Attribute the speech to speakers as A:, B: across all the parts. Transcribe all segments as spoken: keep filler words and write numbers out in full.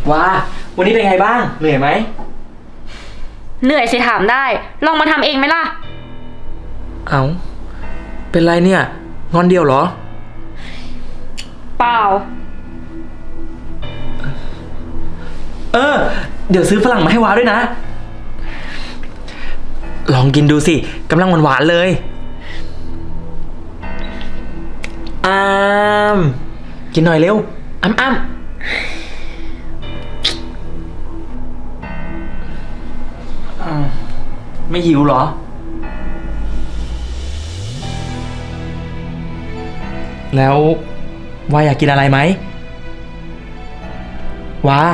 A: ว้าวันนี้เป็นไงบ้างเหนื่อยไหม
B: เหนื่อยสิถามได้ลองมาทำเองไหมล่ะ
A: เอาเป็นไรเนี่ยงอนเดียวเหรอ
B: เปล่า
A: เออเดี๋ยวซื้อฝรั่งมาให้ว้าด้วยนะลองกินดูสิกำลังหวานๆเลยอ้ามกินหน่อยเร็วอ้ำอ้ำไม่หิวเหรอแล้ววาอยากกินอะไรไหมวา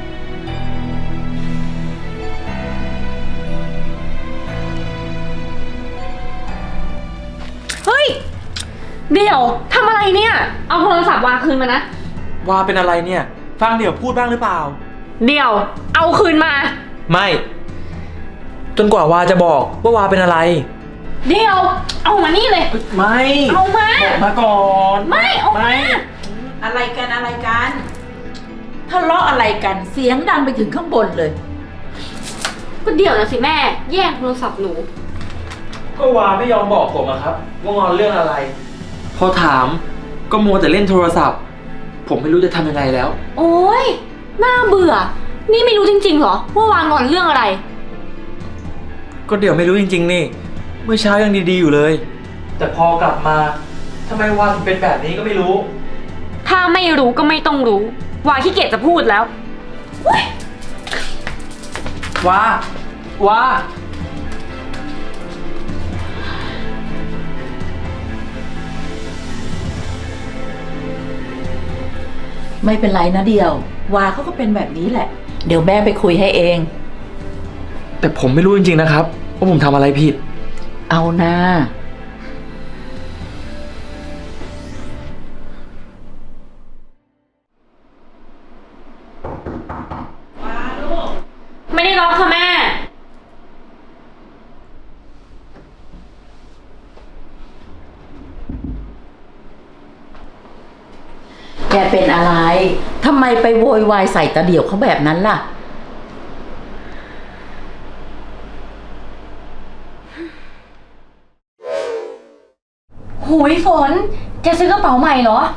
B: เฮ้ยเดี๋ยวทำอะไรเนี่ยเอาโทรศัพท์วางคืนมานะ
A: วาเป็นอะไรเนี่ยฟังเดี๋ยวพูดบ้างหรือเปล่า
B: เดี๋ยวเอาคืนมา
A: ไม่จนกว่าวาจะบอกว่าวาเป็นอะไร
B: เดี๋ยวเอามานี่เลย
A: ไม่
B: เอามา
A: บอกมาก่อน
B: ไม่เอามา
C: อะไรกันอะไรกันทะเลาะอะไรกันเสียงดังไปถึงข้างบนเลย
B: ก็เดี๋ยวนะสิแม่แย่งโทรศัพท์หนู
A: ก็วาไม่ยอมบอกผมอะครับว่างอนเรื่องอะไรพอถามก็มัวแต่เล่นโทรศัพท์ผมไม่รู้จะทำยังไงแล้ว
B: โอ๊ยน่าเบื่อนี่ไม่รู้จริงๆเหรอว่าวางงอนเรื่องอะไร
A: ก็เดี๋ยวไม่รู้จริงๆนี่เมื่อเช้ายังดีๆอยู่เลยแต่พอกลับมาทำไมวาถึงเป็นแบบนี้ก็ไม่รู้
B: ถ้าไม่รู้ก็ไม่ต้องรู้วาขี้เกียจจะพูดแล้ว
A: วา วา
C: ไม่เป็นไรนะเดียววาเขาก็เป็นแบบนี้แหละเดี๋ยวแม่ไปคุยให้เอง
A: แต่ผมไม่รู้จริงๆนะครับว่าผมทำอะไรผิด
C: เอานะ
B: ไม่ได้ล็อกค่ะแม่
C: แกเป็นอะไรทำไมไปโวยวายใส่ตาเดี่ยวเขาแบบนั้นล่ะ
B: หูยฝนแกซื้อกระเป๋าใหม่เหรอ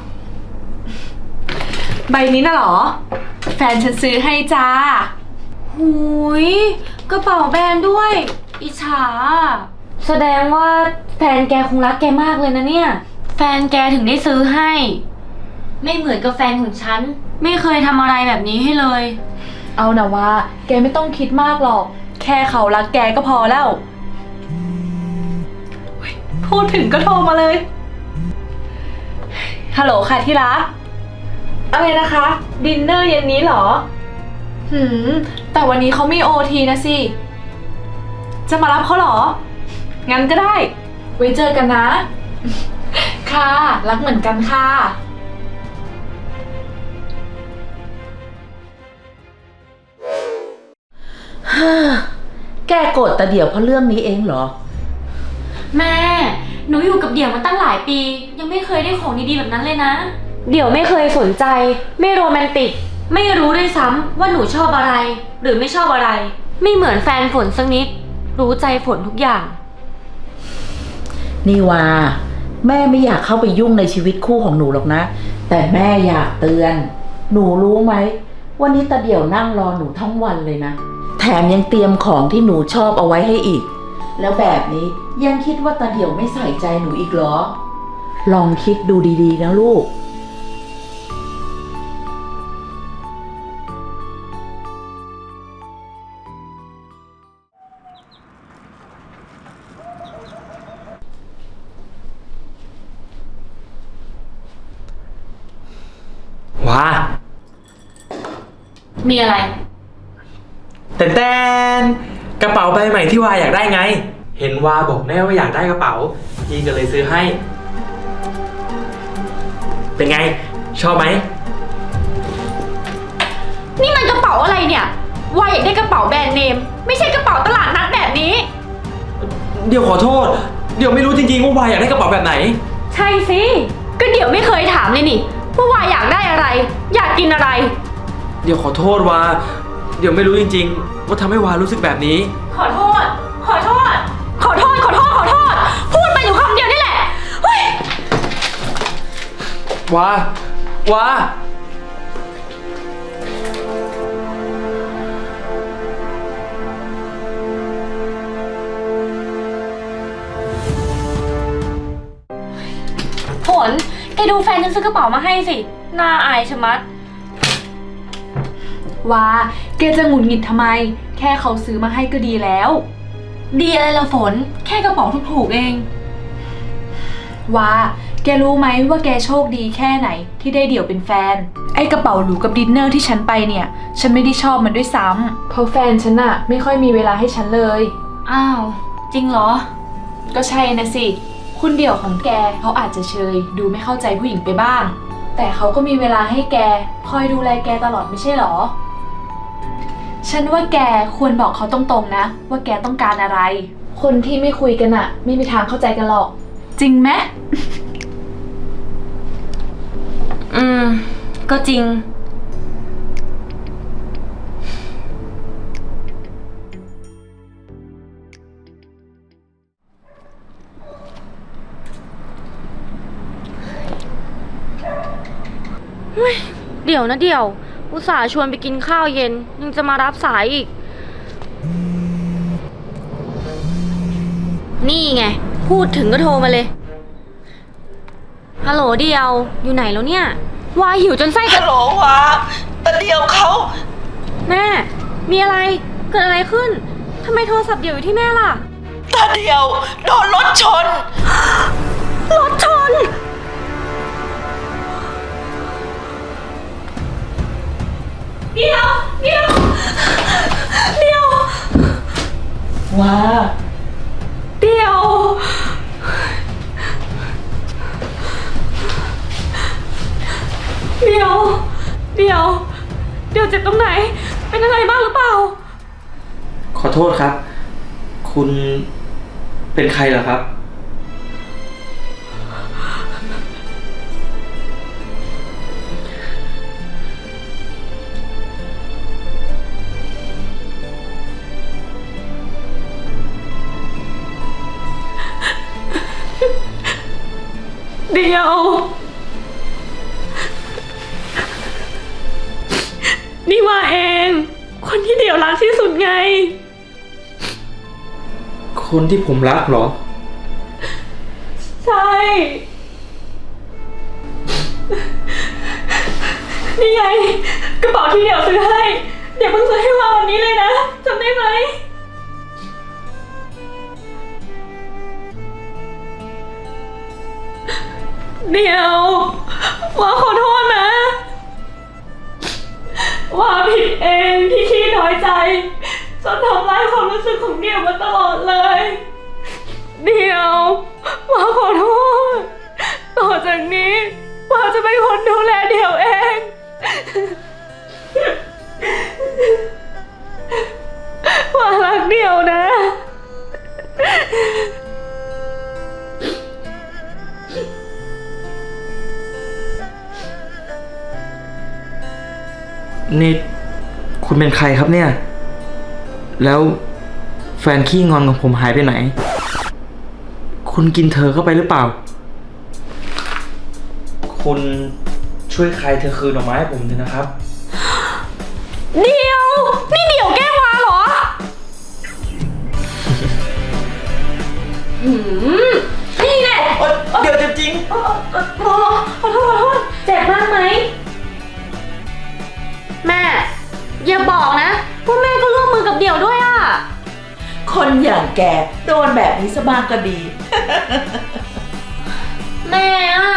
D: ใบนี้น่ะเหรอแฟนฉันซื้อให้จ้า
B: หูยกระเป๋าแบรนด์ด้วยอิจฉาแสดงว่าแฟนแกคงรักแกมากเลยนะเนี่ยแฟนแกถึงได้ซื้อให้ไม่เหมือนกับแฟนของฉันไม่เคยทำอะไรแบบนี้ให้เลย
D: เอานะว่าแกไม่ต้องคิดมากหรอกแค่เขารักแกก็พอแล้วพูดถึงก็โทรมาเลยฮัลโหลค่ะที่รักอะไรนะคะดินเนอร์เย็นนี้เหรอหืมแต่วันนี้เขาไม่โอทีนะสิจะมารับเขาเหรองั้นก็ได้ไว้เจอกันนะค่ะรักเหมือนกันค่ะ
C: แกโกรธตาเดี่ยวเพราะเรื่องนี้เองเหรอ
B: แม่หนูอยู่กับเดี่ยวมาตั้งหลายปียังไม่เคยได้ของดีๆแบบนั้นเลยนะเดี่ยวไม่เคยสนใจไม่โรแมนติกไม่รู้ด้วยซ้ำว่าหนูชอบอะไรหรือไม่ชอบอะไรไม่เหมือนแฟนฝนสักนิดรู้ใจฝนทุกอย่าง
C: นี่ว่าแม่ไม่อยากเข้าไปยุ่งในชีวิตคู่ของหนูหรอกนะแต่แม่อยากเตือนหนูรู้ไหมวันนี้ตาเดี่ยวนั่งรอหนูทั้งวันเลยนะแถมยังเตรียมของที่หนูชอบเอาไว้ให้อีกแล้วแบบนี้ยังคิดว่าตาเดี่ยวไม่ใส่ใจหนูอีกเหรอลองคิดดูดีๆนะลูก
A: ว้า
B: มีอะไร
A: แต่แตนกระเป๋าใบใหม่ที่วาอยากได้ไงเห็นวาบอกแน่ว่าอยากได้กระเป๋าพี่ก็เลยซื้อให้เป็นไงชอบไหม
B: นี่มันกระเป๋าอะไรเนี่ยวายอยากได้กระเป๋าแบรนด์เนมไม่ใช่กระเป๋าตลาดนัดแบบนี้
A: เดี๋ยวขอโทษเดี๋ยวไม่รู้จริงๆว่าวายอยากได้กระเป๋าแบบไหน
B: ใช่สิก็เดี๋ยวไม่เคยถามเลยนี่ว่าวายอยากได้อะไรอยากกินอะไร
A: เดี๋ยวขอโทษวาเดี๋ยวไม่รู้จริงๆ ว่าทำให้วารู้สึกแบบนี้
B: ขอโทษ ขอโทษ ขอโทษ ขอโทษ ขอโทษ พูดไปอยู่คำเดียวนี่แหละ เฮ้ย
A: วา วา
B: ฝน แกดูแฟนฉันซื้อกระเป๋ามาให้สิ น่าอายชะมัด
D: ว่าแกจะหงุดหงิดทำไม แค่เขาซื้อมาให้ก็ดีแล้ว
B: ดีอะไรละฝน แค่กระเป๋าถูกๆเอง
D: ว่าแกรู้ไหมว่าแกโชคดีแค่ไหนที่ได้เดี่ยวเป็นแฟน ไอ้กระเป๋าหรูกับดินเนอร์ที่ฉันไปเนี่ย ฉันไม่ได้ชอบมันด้วยซ้ำเพราะแฟนฉันอะไม่ค่อยมีเวลาให้ฉันเลย
B: อ้าว จริงเหรอ
D: ก็ใช่นะสิ คุณเดี่ยวของแกเขาอาจจะเชยดูไม่เข้าใจผู้หญิงไปบ้าง แต่เขาก็มีเวลาให้แกคอยดูแลแกตลอดไม่ใช่หรอ ฉันว่าแกควรบอกเขาตรงๆนะ ว่าแกต้องการอะไร คนที่ไม่คุยกันอะไม่มีทางเข้าใจกันหรอก จริงไหม
B: อืม ก็จริง เดี๋ยวนะเดี๋ยว อุตส่าห์ชวนไปกินข้าวเย็น ยังจะมารับสายอีก นี่ไง พูดถึงก็โทรมาเลย ฮัลโหลเดียว อยู่ไหนแล้วเนี่ย วายหิวจนไส้จะ
C: ฮัลโหลวาตาเดียวเขา
B: แม่ มีอะไร เกิดอะไรขึ้น ทำไมโทรศัพท์เดียวอยู่ที่แม่ล่ะ
C: ตาเดียวโดนรถชน
B: รถชน เดียว เดียว เดียว
C: ว้า
B: เดียว เดียว เดียว เดียวเจ็บตรงไหน เป็นอะไรบ้างหรือเปล่า
A: ขอโทษครับ คุณเป็นใครเหรอครับ
B: เดียว นี่ว่าเอง คนที่เดียวรักที่สุดไง
A: คนที่ผมรักเหรอ
B: ใช่ นี่ไง กระเป๋าที่เดียวซื้อให้ เดี๋ยวเพิ่งซื้อให้ว่าวันนี้เลยนะจำได้ไหม เดี๋ยวว่าขอโทษนะ ว่าผิดเองที่ขี้น้อยใจจนทำร้ายความรู้สึกของเดี่ยวมาตลอดเลย เดี๋ยวว่าขอโทษ ต่อจากนี้ว่าจะเป็นคนดูแลเดี่ยวเองว่ารักเดี่ยวนะ
A: นี่คุณเป็นใครครับเนี่ย แล้วแฟนขี้งอนของผมหายไปไหน คุณกินเธอเข้าไปหรือเปล่า คุณช่วยใครเธอคืนออกมาให้ผมเถอะนะครับ
B: เดี๋ยว นี่เดี๋ยวแกล้งวาเหรอ หืม นี่แน่
A: เดี๋ยวจริง
B: ขอโทษขอโทษเจ็บมากไหม แม่ อย่าบอกนะว่าแม่ก็ร่วมมือกับเดี่ยวด้วยอ่ะ
C: คนอย่างแกโดนแบบนี้ซะบ้างก็ดี
B: แม่อ่ะ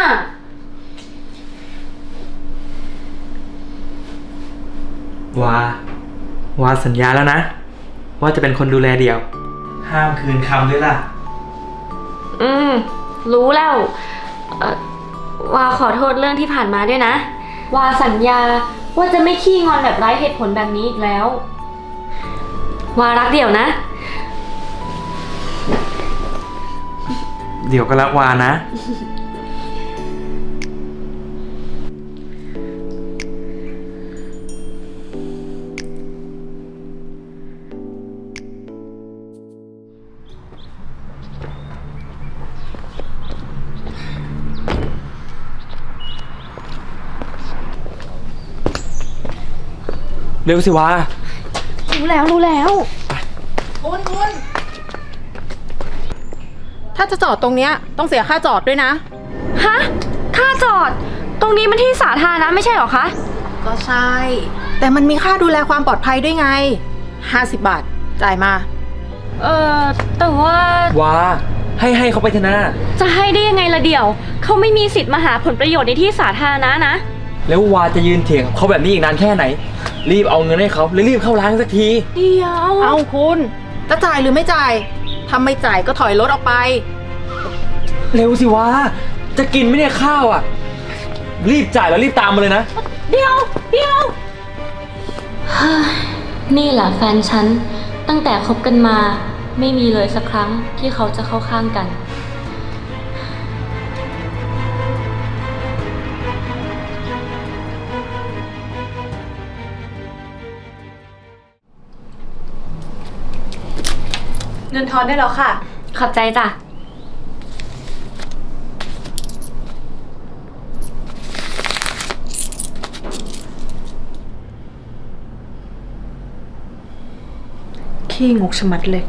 A: วา วาสัญญาแล้วนะ ว่าจะเป็นคนดูแลเดี่ยว ห้ามคืนคำด้วยล่ะ
B: อืม รู้แล้วเอ่อวาขอโทษเรื่องที่ผ่านมาด้วยนะ วาสัญญาว่าจะไม่ขี้งอนแบบไร้เหตุผลแบบนี้อีกแล้ว วารักเดี่ยวนะ
A: เดี๋ยวก็รักวานะ
B: น
A: เร็วสิวะ
B: รู้แล้วรู้แล้ว
E: คุณคุณถ้าจะจอดตรงเนี้ยต้องเสียค่าจอดด้วยนะ
B: ฮะ ค่าจอด ตรงนี้มันที่สาธารณะไม่ใช่เหรอคะ
E: ก็ใช่ แต่มันมีค่าดูแลความปลอดภัยด้วยไงห้าสิบบาท จ่ายมา
B: เออแต่ว่า
A: วาให้ให้เขาไปเถอะนะ
B: จะให้ได้ยังไงละเดี่ยว เขาไม่มีสิทธิ์มาหาผลประโยชน์ในที่สาธารณะนะ
A: แล้ววาจะยืนเถียงกับเขาแบบนี้อีกนานแค่ไหน รีบเอาเงินให้เขาแล้วรีบเข้าร้านสักที
B: เดี๋ยว
E: เอาคุณจะจ่ายหรือไม่จ่ายถ้าไม่จ่ายก็ถอยรถออกไป
A: เร็วสิวะ จะกินไหมเนี่ยข้าวอ่ะ รีบจ่ายแล้วรีบตามมาเลยนะ
B: เดี๋ยวเดี๋ยวเฮ้ยนี่แหละแฟนฉัน ตั้งแต่คบกันมา ไม่มีเลยสักครั้งที่เขาจะเข้าข้างกัน
D: เงินทอนได้แล้วค่ะ
B: ขอบใจจ้ะ
D: ขี้งกชะมัดเลย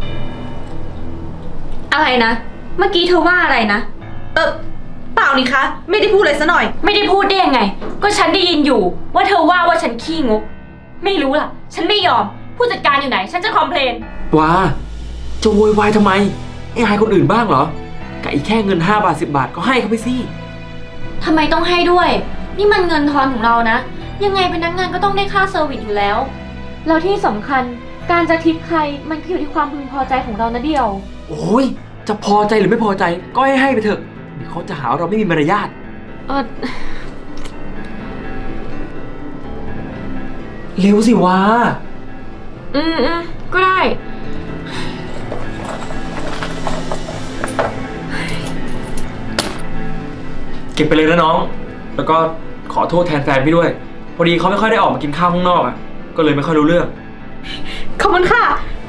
B: อะไรนะ เมื่อกี้เธอว่าอะไรนะ
D: เออเปล่านี่คะ ไม่ได้พูดเลยซะหน่อย
B: ไม่ได้พูดได้ยังไง ก็ฉันได้ยินอยู่ ว่าเธอว่าว่าฉันขี้งก ไม่รู้ล่ะ ฉันไม่ยอม ผู้จัดการอยู่ไหน ฉันจะคอมเพลน
A: วาจะโวยวายทำไมไอ้อายคนอื่นบ้างเหรอกับอีกแค่เงินห้าบาทสิบบาทก็ให้เขาไปสิ
B: ทำไมต้องให้ด้วย นี่มันเงินทอนของเรานะ ยังไงพนักงานก็ต้องได้ค่าเซอร์วิสอยู่แล้ว แล้วที่สำคัญ การจะทิปใครมันก็อยู่ที่ความพึงพอใจของเรานะเดียว
A: โอ้ยจะพอใจหรือไม่พอใจก็ให้ให้ไปเถอะเดี๋ยวเขาจะหาว่าเราไม่มีมารยาท
B: เออ
A: เร็วสิวะ
B: อืมอืมก็ได้
A: เก็บไปเลยนะน้อง แล้วก็ขอโทษแทนแฟนพี่ด้วย พอดีเขาไม่ค่อยได้ออกมากินข้าวข้างนอกอ่ะก็เลยไม่ค่อยรู้เรื่อง
D: ขอบคุณค่ะ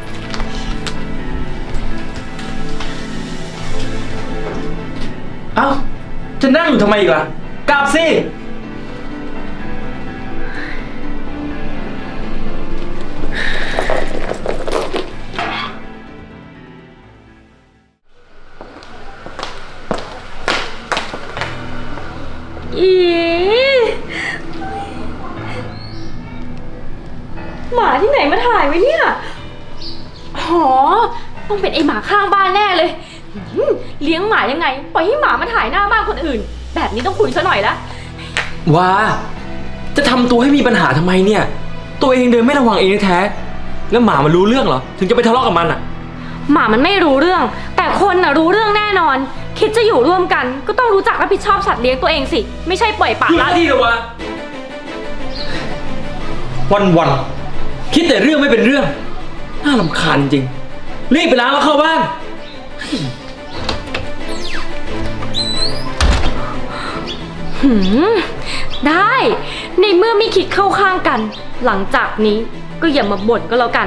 A: เอ้าจะนั่งอยู่ทำไมอีกล่ะกลับสิ
B: อีหมาที่ไหนมาถ่ายไว้เนี่ยหอต้องเป็นไอหมาข้างบ้านแน่เลยหืมเลี้ยงหมายังไง ปล่อยให้หมามาถ่ายหน้าบ้านคนอื่น แบบนี้ต้องคุยซะหน่อยละ
A: ว้าจะทำตัวให้มีปัญหาทำไมเนี่ย ตัวเองเดินไม่ระวังเองแท้ๆแล้วหมามันรู้เรื่องเหรอถึงจะไปทะเลาะกับมันอ่ะ
B: หมามันไม่รู้เรื่อง แต่คนน่ะรู้เรื่องแน่นอน คิดจะอยู่ร่วมกัน ก็ต้องรู้จักรับผิดชอบสัตว์เลี้ยงตัวเองสิ ไม่ใช่ปล่อยปละ
A: หยุด
B: ละ
A: ที่เถอะวะวันวันๆคิดแต่เรื่องไม่เป็นเรื่อง น่ารำคาญจริง รีบไปล้างแล้วเข้าบ้าน
B: หืมได้ ในเมื่อไม่คิดเข้าข้างกัน หลังจากนี้ก็อย่ามาบ่นก็แล้วกัน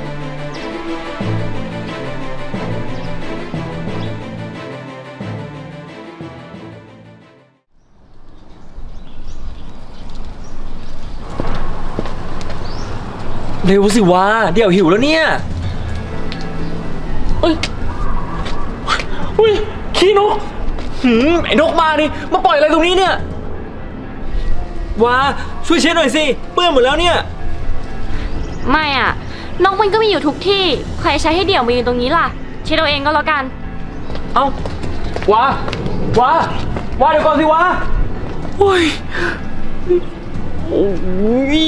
A: เร็วสิวะเดี๋ยวหิวแล้วเนี่ยเอ้ยอุ้ยขี้นกหืมไอ้นกมาดิมาปล่อยอะไรตรงนี้เนี่ยว้าช่วยเช็ดหน่อยสิเปื้อนหมดแล้วเนี่ย
B: ไม่อ่ะนกมันก็มีอยู่ทุกที่ ใครใช้ให้เดี่ยวมายืนตรงนี้ล่ะเช็ดเอาเองก็แล้วกัน
A: เอ้าว้าว้าว้าเดี๋ยวก่อนสิว้าโอ้ยโอ้ย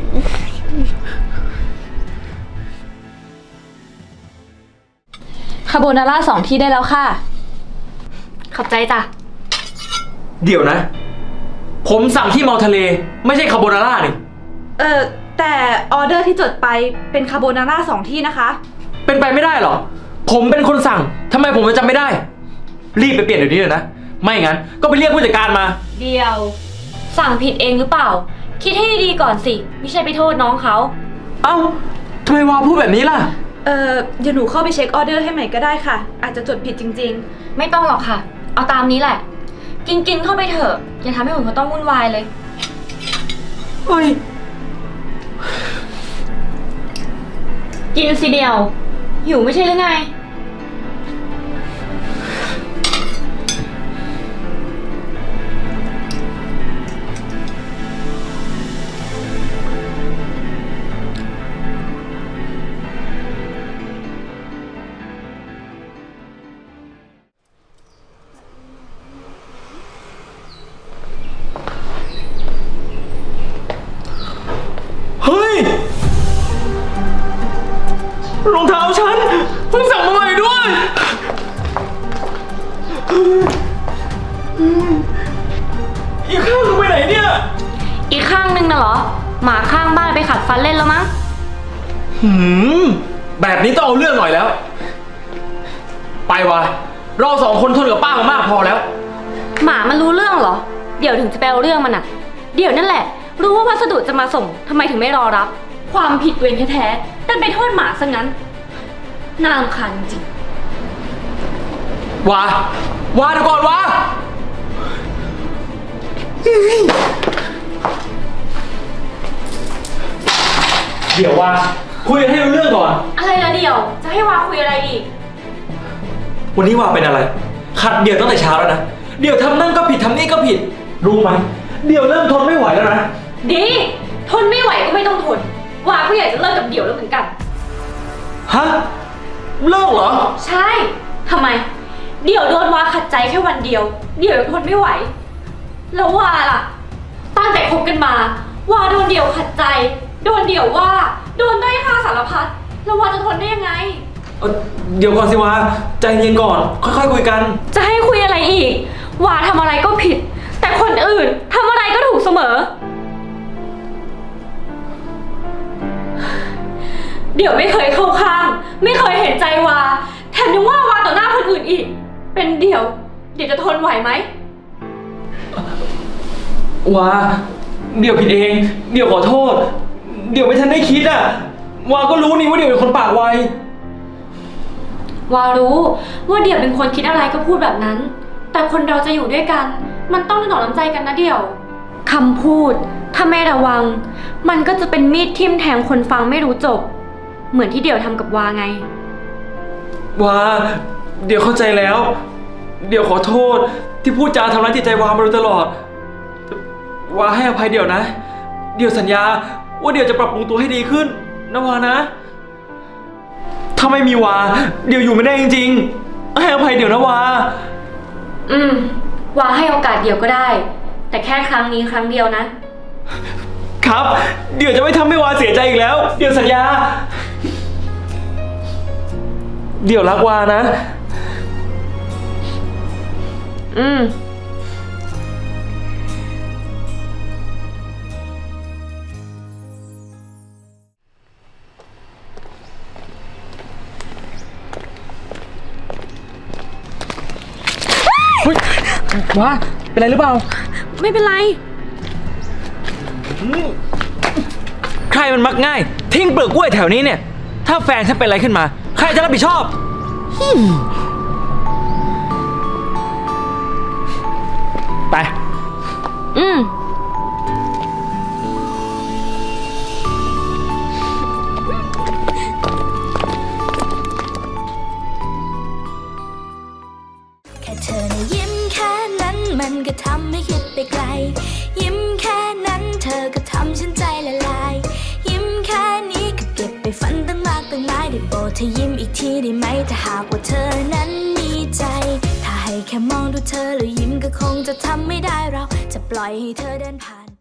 D: คาโบนาร่าสองที่ได้แล้วค่ะ
B: ขอบใจจ้ะ
A: เดี๋ยวนะ ผมสั่งที่เมาทะเลไม่ใช่คาโบนาร่านี่
D: เออแต่ออเดอร์ที่จดไปเป็นคาโบนาร่าสองที่นะคะ
A: เป็นไปไม่ได้หรอผมเป็นคนสั่งทำไมผมจะจำไม่ได้ รีบไปเปลี่ยนเดี๋ยวนี้เลยนะไม่งั้นก็ไปเรียกผู้จัดการมา
B: เดียว สั่งผิดเองหรือเปล่า คิดให้ดีๆก่อนสิ ไม่ใช่ไปโทษน้องเขา
A: เอ้าทำไมวาพูดแบบนี้ล่ะ
D: เออเดี๋ยวหนูเข้าไปเช็คออเดอร์ให้ใหม่ก็ได้ค่ะ อาจจะจดผิดจริง
B: ไม่ต้องหรอกค่ะ เอาตามนี้แหละ กินกินเข้าไปเถอะ อย่าทำให้คนเขาต้องวุ่นวายเลย
A: เฮ้ย
B: กินสิเดียว หิวไม่ใช่หรือไง
A: เฮ้ย รองเท้าฉันเพิ่งสั่งมาใหม่ด้วย อีกข้างนึงไปไหนเนี่ย
B: อีกข้างนึงน่ะเหรอ หมาข้างบ้านไปขัดฟันเล่นแล้วมั้ง
F: หืม แบบนี้ต้องเอาเรื่องหน่อยแล้ว ไปวะเราสองคนทนกับป้ามามากพอแล้ว
B: หมามันรู้เรื่องเหรอ เดี๋ยวถึงจะไปเอาเรื่องมันอะเดี๋ยวนั่นแหละ รู้ว่าพัสดุจะมาส่งทำไมถึงไม่รอรับ ความผิดตัวเองแท้ๆแต่ไปโทษหมาซะงั้นน่ารำคาญจริง
F: วะวะเดี๋ยวก่อนวะ เดี๋ยววะคุยกันให้รู้เรื่องก่อน
B: อะไรละเดี๋ยว จะให้วาคุยอะไรอีก
A: วันนี้ว่าเป็นอะไร ขัดเดี่ยวตั้งแต่เช้าแล้วนะ เดี่ยวทำนั่นก็ผิดทำนี่ก็ผิด รู้ไหม เดี่ยวเริ่มทนไม่ไหวแล้วนะ
B: ดี ทนไม่ไหวก็ไม่ต้องทน วาก็อยากจะเลิกกับเดี่ยวแล้วเหมือนกัน
A: ฮะ เลิกเหรอ
B: ใช่ ทำไม เดี๋ยวโดนวาขัดใจแค่วันเดียว เดี๋ยวทนไม่ไหว แล้ววาล่ะ ตั้งแต่คบกันมา วาโดนเดี่ยวขัดใจ โดนเดี่ยวว่า โดนด้อยค่าสารพัด แล้ววาจะทนได้ยังไง
A: เอ่อเดี๋ยวก่อนสิวะ ใจเย็นก่อน ค่อยๆคุยกัน
B: จะให้คุยอะไรอีก วาทำอะไรก็ผิด แต่คนอื่นทำอะไรก็ถูกเสมอ เดี๋ยวไม่เคยเข้าข้าง ไม่เคยเห็นใจวา แถมยังว่าวาต่อหน้าคนอื่นอีก เป็นเดี๋ยว เดี๋ยวจะทนไหวไหม
A: วา เดี๋ยวผิดเอง เดี๋ยวขอโทษ เดี๋ยวไม่ทันได้คิดอ่ะ วาก็รู้นี่ว่าเดี๋ยวเป็นคนปากไว
B: วารู้ว่าเดี่ยวเป็นคนคิดอะไรก็พูดแบบนั้น แต่คนเราจะอยู่ด้วยกัน มันต้องถนอมน้ำใจกันนะเดี่ยวคำพูดถ้าไม่ระวัง มันก็จะเป็นมีดทิ่มแทงคนฟังไม่รู้จบ เหมือนที่เดี่ยวทำกับวาไง
A: วา เดี๋ยวเข้าใจแล้ว เดี๋ยวขอโทษ ที่พูดจาทำร้ายจิตใจวามาโดยตลอด วาให้อภัยเดี๋ยวนะ เดี๋ยวสัญญาว่าเดี๋ยวจะปรับปรุงตัวให้ดีขึ้นนะวานะ ถ้าไม่มีวา เดี๋ยวอยู่ไม่ได้จริงๆ ให้อภัยเดี๋ยวนะวา
B: อืม วาให้โอกาสเดี่ยวก็ได้ แต่แค่ครั้งนี้ครั้งเดียวนะ
A: ครับ เดี๋ยวจะไม่ทำให้วาเสียใจอีกแล้ว เดี๋ยวสัญญา เดี๋ยวรักวานะ
B: อืม
A: เฮ้ย วา เป็นไรหรือเปล่า
B: ไม่เป็นไร
A: ใครมันมักง่าย ทิ้งเปลือกกล้วยแถวนี้เนี่ย ถ้าแฟนฉันเป็นอะไรขึ้นมา ใครจะรับผิดชอบ ไป
B: อืม
G: แค่เธอนะยิ้มแค่นั้นมันก็ทำให้คิดไปไกล ยิ้มแค่นั้นเธอก็ทำฉันใจละลาย ยิ้มแค่นี้ก็เก็บไปฝันตั้งมากตั้งหลายได้โปรดเธอยิ้มอีกทีได้ไหมถ้าหากว่าเธอนั้นมีใจ ถ้าให้แค่มองดูเธอแล้วยิ้มก็คงจะทำไม่ได้เราจะปล่อยให้เธอเดินผ่าน